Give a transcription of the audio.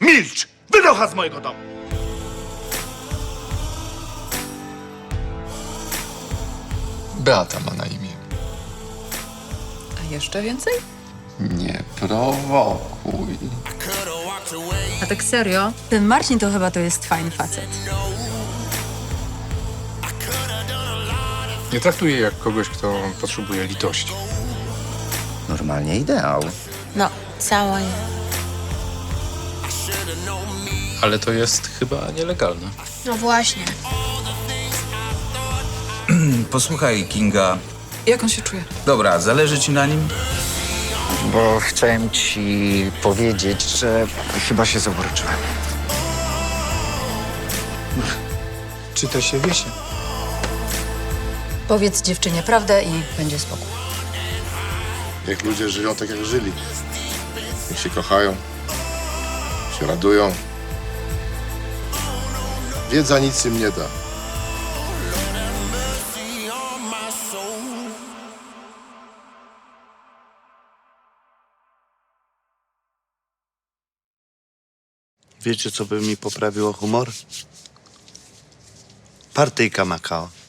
Milcz! Wynocha z mojego domu! Beata ma na imię. A jeszcze więcej? Nie prowokuj. A tak serio? Ten Marcin to jest fajny facet. Nie traktuję jej jak kogoś, kto potrzebuje litości. Normalnie ideał. No, cała nie. Ale to jest chyba nielegalne. No właśnie. Posłuchaj, Kinga. Jak on się czuje? Dobra, zależy ci na nim? Bo chciałem ci powiedzieć, że chyba się zauroczyłem. Czy to się wiesie? Powiedz dziewczynie prawdę i będzie spokój. Niech ludzie żyją tak, jak żyli. Niech się kochają, się radują. Wiedza nic im nie da. Wiecie, co by mi poprawiło humor? Partyjka Makao.